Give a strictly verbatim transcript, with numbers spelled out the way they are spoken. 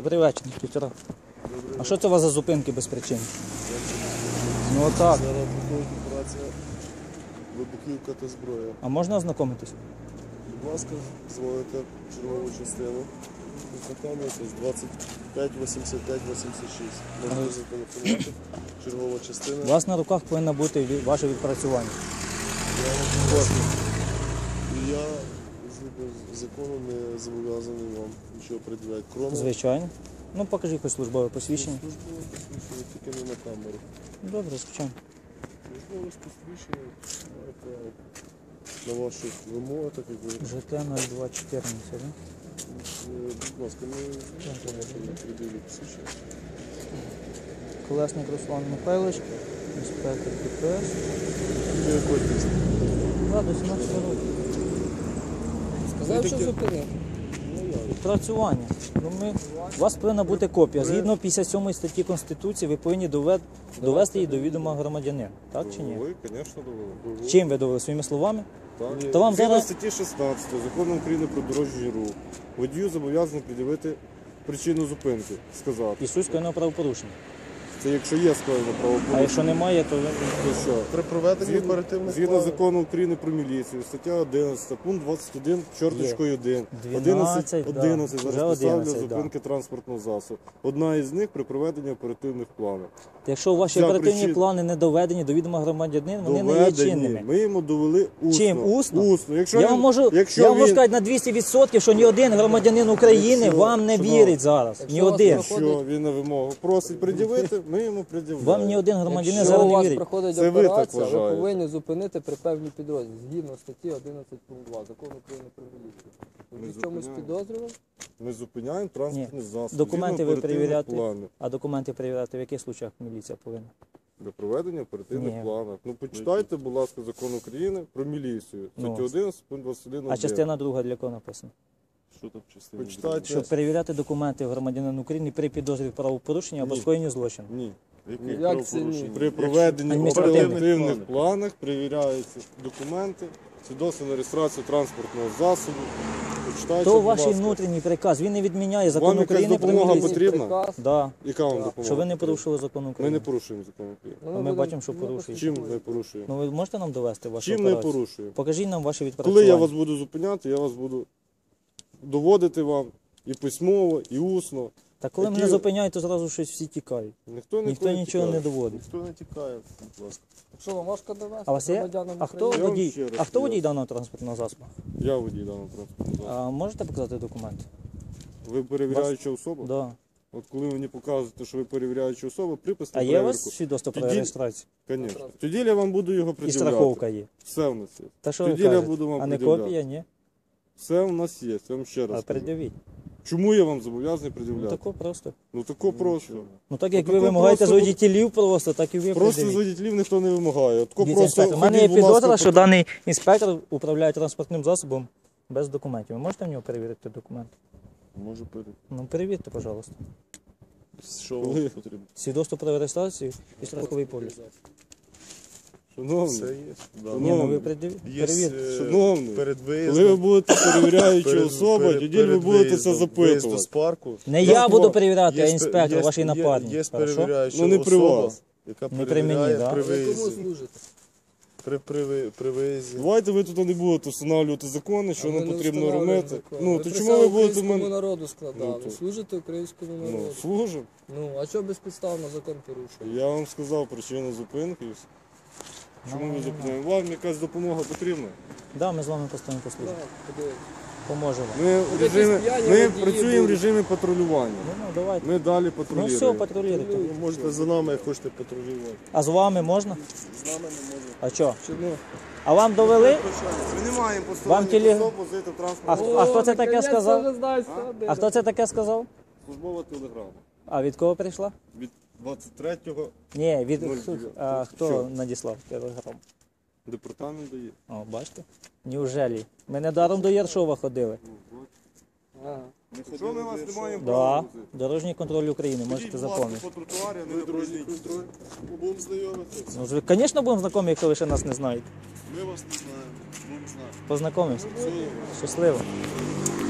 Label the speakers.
Speaker 1: Добрий вечір, півтора. А що це у вас за зупинки без причини? Ну отак.
Speaker 2: Зараз проходить операція вибухівка та зброя.
Speaker 1: А можна ознакомитись?
Speaker 2: Будь ласка, дзвоните в чергову частину. Ознакомитесь двадцять п'ять вісімдесят п'ять вісімдесят шість. Можете зателефонувати. Чергова частина.
Speaker 1: У вас на руках повинно бути ві- ваше відпрацювання.
Speaker 2: Я вам прошу. І я згідно з законом не зобов'язаний вам нічого приділяти. Кроме
Speaker 1: Звичайно. Ну покажіть хоч службове посвідчення.
Speaker 2: службового посвідчення, тільки не на камеру.
Speaker 1: Добре, звичайно.
Speaker 2: Службове посвідчення має право на вашу вимогу, так як ви.
Speaker 1: ЖТ нуль два чотирнадцять, да?
Speaker 2: Е, Будь ласка, ми можемо приділити посвідчення.
Speaker 1: Колесник Руслан Михайлович, інспектор ДПС.
Speaker 2: Для якої пісні?
Speaker 1: Да, до сімнадцятого року.
Speaker 3: Сказав, що зупинив.
Speaker 1: Відпрацювання. Ну, ми... У вас повинна бути копія. Згідно п'ятдесят сьомої статті Конституції ви повинні довед... довести її до відома громадянина. Так чи ні?
Speaker 4: Ви, звісно, довели.
Speaker 1: Чим ви довели? Своїми словами?
Speaker 4: Так.
Speaker 1: То вам
Speaker 4: Згідно
Speaker 1: зараз-
Speaker 4: статті шістнадцятої Закону України про дорожній рух водію зобов'язаний пред'явити причину зупинки, сказати.
Speaker 1: І суть скоєного правопорушення.
Speaker 4: Це якщо є скоєно
Speaker 1: А
Speaker 4: правопорушення.
Speaker 1: якщо немає, то ви...
Speaker 4: То що?
Speaker 2: При проведенні
Speaker 4: Згідно,
Speaker 2: оперативних
Speaker 4: згідно
Speaker 2: планів.
Speaker 4: закону України про міліцію, стаття одинадцята, пункт двадцять один, чорточкою один,
Speaker 1: дванадцять, да.
Speaker 4: одинадцять
Speaker 1: Вже
Speaker 4: зараз поставлю
Speaker 1: одинадцять, да.
Speaker 4: зупинки транспортного засобу. Одна із них при проведенні оперативних планів.
Speaker 1: Якщо ваші
Speaker 4: Ця
Speaker 1: оперативні
Speaker 4: причин-
Speaker 1: плани не доведені до відома громадянина, вони не є
Speaker 4: Доведені.
Speaker 1: чинними.
Speaker 4: Ми йому довели усно.
Speaker 1: Чим? Усно?
Speaker 4: Усно. Якщо
Speaker 1: Я
Speaker 4: він-
Speaker 1: вам можу,
Speaker 4: якщо
Speaker 1: я вам можу
Speaker 4: він-
Speaker 1: сказати на двісті відсотків, що ні один громадянин України
Speaker 4: Якщо-
Speaker 1: вам не
Speaker 4: шановний,
Speaker 1: вірить зараз. Ні
Speaker 3: якщо у вас
Speaker 1: один.
Speaker 3: проходить-
Speaker 4: Якщо він на вимогу просить пред'явити, ми йому пред'являємо.
Speaker 1: Вам ні один громадянин
Speaker 3: Якщо
Speaker 1: зараз
Speaker 3: у
Speaker 1: не
Speaker 3: вас
Speaker 1: вірить.
Speaker 3: проходить
Speaker 4: Це ви так
Speaker 3: операція, ви,
Speaker 4: вважаєте.
Speaker 3: повинні зупинити при певній підрозділі, згідно статті одинадцять пункт два Закону України про міліцію.
Speaker 4: Ми
Speaker 3: Ви в чомусь
Speaker 4: зупиняємо.
Speaker 3: підозрював?
Speaker 4: Ми зупиняємо транспортний засіб.
Speaker 1: Документи
Speaker 4: згідно
Speaker 1: ви
Speaker 4: оперативних
Speaker 1: перевіряти.
Speaker 4: планів.
Speaker 1: А документи перевіряти в яких случаях міліція повинна?
Speaker 4: Для проведення оперативних
Speaker 1: Ні.
Speaker 4: планів. Ну почитайте, будь ласка, закон України про міліцію.
Speaker 1: Ну.
Speaker 4: Стаття одинадцять, пункт двадцять один.
Speaker 1: А частина друга для кого написана?
Speaker 2: Що там в частині?
Speaker 4: Почитайте.
Speaker 1: Щоб перевіряти документи громадянина України при підозрі в правопорушенні або
Speaker 4: Ні.
Speaker 1: скоєнні злочину.
Speaker 4: Ні.
Speaker 2: Яких
Speaker 3: Як це ні?
Speaker 2: правопорушень?
Speaker 4: При проведенні
Speaker 1: Адміністративних
Speaker 4: оперативних
Speaker 2: планів.
Speaker 4: планах перевіряються документи, свідоцтво на реєстрацію транспортного засобу. Почитайте,
Speaker 1: То
Speaker 4: будь
Speaker 1: ваш
Speaker 4: ласка.
Speaker 1: внутрішній приказ, він не відміняє закон
Speaker 4: Вам якась
Speaker 1: України про
Speaker 4: допомога
Speaker 1: міліцію.
Speaker 4: потрібна?
Speaker 3: Приказ.
Speaker 1: Да.
Speaker 4: Яка вам
Speaker 3: Так.
Speaker 4: допомога?
Speaker 1: Що ви не порушили закон
Speaker 4: Ми
Speaker 1: України.
Speaker 4: не порушуємо закон України.
Speaker 3: Ну,
Speaker 1: А ми
Speaker 3: будемо-
Speaker 1: бачимо, що
Speaker 3: ну,
Speaker 1: порушуєте.
Speaker 4: Чим ми порушуємо?
Speaker 1: Ну ви можете нам довести вашу
Speaker 4: Чим ми
Speaker 1: операцію?
Speaker 4: порушуємо?
Speaker 1: Покажіть нам ваші відпрацювання.
Speaker 4: Коли я вас буду зупиняти, я вас буду доводити вам і письмово, і усно.
Speaker 1: Та коли
Speaker 4: Які-
Speaker 1: мене зупиняють, то зразу щось всі тікають.
Speaker 4: Ніхто,
Speaker 1: Ніхто нічого не доводить.
Speaker 2: Ніхто не тікає, будь ласка.
Speaker 3: Що, вам важко довести
Speaker 1: А у вас є?
Speaker 3: громадянам
Speaker 1: А хто
Speaker 3: України?
Speaker 4: Я вам
Speaker 1: водій?
Speaker 4: ще раз
Speaker 1: А хто водій
Speaker 4: поясню.
Speaker 1: даного транспортного засобу?
Speaker 4: Я водій даного транспортного засобу.
Speaker 1: А можете показати документи?
Speaker 4: Ви перевіряюча особа?
Speaker 1: Да.
Speaker 4: От коли ви мені показуєте, що ви перевіряюча особа, припис на
Speaker 1: А є у
Speaker 4: перевірку.
Speaker 1: вас свідоцтво про
Speaker 4: Тоді-
Speaker 1: реєстрацію?
Speaker 4: Звісно. Тоді я вам буду його
Speaker 1: І
Speaker 4: пред'являти.
Speaker 1: страховка є.
Speaker 4: Все в нас є.
Speaker 1: Та що ви
Speaker 4: Тоді я
Speaker 1: кажете?
Speaker 4: буду вам
Speaker 1: А не
Speaker 4: пред'являти.
Speaker 1: копія, ні?
Speaker 4: Все в нас є, я вам ще раз
Speaker 1: А
Speaker 4: кажу.
Speaker 1: пред'явіть.
Speaker 4: Чому я вам зобов'язаний
Speaker 1: Ну
Speaker 4: пред'являти?
Speaker 1: тако просто.
Speaker 4: Ну тако просто.
Speaker 1: Ну так як
Speaker 4: Ну,
Speaker 1: ви
Speaker 4: тако
Speaker 1: вимагаєте з
Speaker 4: просто-
Speaker 1: водітелів просто, так і ви
Speaker 4: Просто з
Speaker 1: пред'явіть.
Speaker 4: водітелів ніхто не вимагає. Тако
Speaker 1: Дивіться,
Speaker 4: просто
Speaker 1: інспектор, у мене є
Speaker 4: ходіть, будь ласка,
Speaker 1: підозра, що
Speaker 4: по-
Speaker 1: даний інспектор управляє транспортним засобом без документів. Ви можете в нього перевірити документи?
Speaker 2: Можу перейти.
Speaker 1: Ну перевірте, пожалуйста.
Speaker 2: Що
Speaker 4: Коли?
Speaker 2: вам потрібно?
Speaker 1: Свідоцтво про реєстрацію і страховий поліс.
Speaker 4: Шановний,
Speaker 2: Це є. Да.
Speaker 1: Ні, ну ви
Speaker 4: Шановний.
Speaker 1: пред'явіть.
Speaker 2: Є,
Speaker 1: Перевірте.
Speaker 2: е,
Speaker 4: Шановний,
Speaker 2: перед
Speaker 4: коли ви
Speaker 2: виїздом.
Speaker 4: будете перевіряюча
Speaker 2: перед-
Speaker 4: особа,
Speaker 2: перед-
Speaker 4: тоді ви
Speaker 2: перед
Speaker 4: будете це
Speaker 2: виїздом, виїзду з
Speaker 4: запитувати.
Speaker 2: парку.
Speaker 1: Не
Speaker 4: Я
Speaker 1: я буду
Speaker 4: вам-
Speaker 1: перевіряти, а
Speaker 2: Є спе-
Speaker 1: інспектор,
Speaker 2: є-
Speaker 1: ваш
Speaker 2: є-
Speaker 1: напарник.
Speaker 2: Є
Speaker 1: Хорошо?
Speaker 2: перевіряюча
Speaker 4: Ну, не при
Speaker 2: особа,
Speaker 4: вас.
Speaker 2: яка
Speaker 1: Не при мені,
Speaker 2: перевіряє
Speaker 1: да?
Speaker 2: при
Speaker 3: Ви кому
Speaker 2: виїзді.
Speaker 3: служите?
Speaker 2: При, при, ви- при виїзді.
Speaker 4: Давайте ви тут не будете встановлювати закони, що
Speaker 3: А ви
Speaker 4: нам
Speaker 3: не
Speaker 4: потрібно
Speaker 3: встановлюєте
Speaker 4: робити.
Speaker 3: закон.
Speaker 4: Ну,
Speaker 3: Ви
Speaker 4: то
Speaker 3: присягу
Speaker 4: чому ви будете
Speaker 3: українському
Speaker 4: мене...
Speaker 3: народу складали?
Speaker 4: Ну, то-
Speaker 3: Служите українському
Speaker 4: Ну,
Speaker 3: народу.
Speaker 4: служимо.
Speaker 3: Ну, а що безпідставно закон порушує?
Speaker 4: Я вам сказав причину зупинки. і все. Чому ви зупиняємо? Вам якась допомога потрібна?
Speaker 1: Да, ми з вами постійно послужимо.
Speaker 3: Так, подивіться.
Speaker 1: Поможемо.
Speaker 4: Ми, в
Speaker 3: якісь
Speaker 4: режимі,
Speaker 3: п'яні
Speaker 4: ми
Speaker 3: водії
Speaker 4: працюємо в
Speaker 3: будуть.
Speaker 4: режимі патрулювання.
Speaker 1: Ну, ну давайте.
Speaker 4: Ми далі
Speaker 1: Ну
Speaker 4: патрулюємо.
Speaker 1: все, патрулюйте.
Speaker 2: Ви можете за нами, як хочете патрулювати.
Speaker 1: А з вами можна?
Speaker 2: З нами не можна.
Speaker 1: А що?
Speaker 3: Чому?
Speaker 1: А вам довели?
Speaker 4: Ми не маємо
Speaker 1: Вам
Speaker 4: посторонніх
Speaker 1: теле-
Speaker 4: особ возити в
Speaker 1: А,
Speaker 4: транспортному
Speaker 1: а хто це
Speaker 3: О,
Speaker 1: таке
Speaker 3: наконець-то
Speaker 1: сказав?
Speaker 3: вже знаю, що один.
Speaker 1: А хто це таке сказав?
Speaker 4: службова телеграма.
Speaker 1: А від кого прийшла?
Speaker 4: Від двадцять третього
Speaker 1: Ні, від
Speaker 4: Нуль
Speaker 1: хто,
Speaker 4: дев'ять.
Speaker 1: а, хто
Speaker 4: Що?
Speaker 1: надіслав телеграм?
Speaker 4: департамент дає.
Speaker 1: О, бачите? Неужелі? Ми недаром до Яршова ходили.
Speaker 3: Ага.
Speaker 4: Що ми вас не маємо
Speaker 1: Да.
Speaker 4: права возити?
Speaker 1: Дорожній контроль України, можете
Speaker 4: Ходіть, будь ласка,
Speaker 1: запомнити.
Speaker 4: по тротуарі, а не на проїзній частині.
Speaker 2: Будемо знайомитися.
Speaker 1: Ну, ж- звісно, будемо знайомі, якщо ви ще нас не знаєте.
Speaker 2: Ми вас не знаємо. Будемо знати.
Speaker 1: Познайомимося.
Speaker 2: Все.
Speaker 1: Щасливо.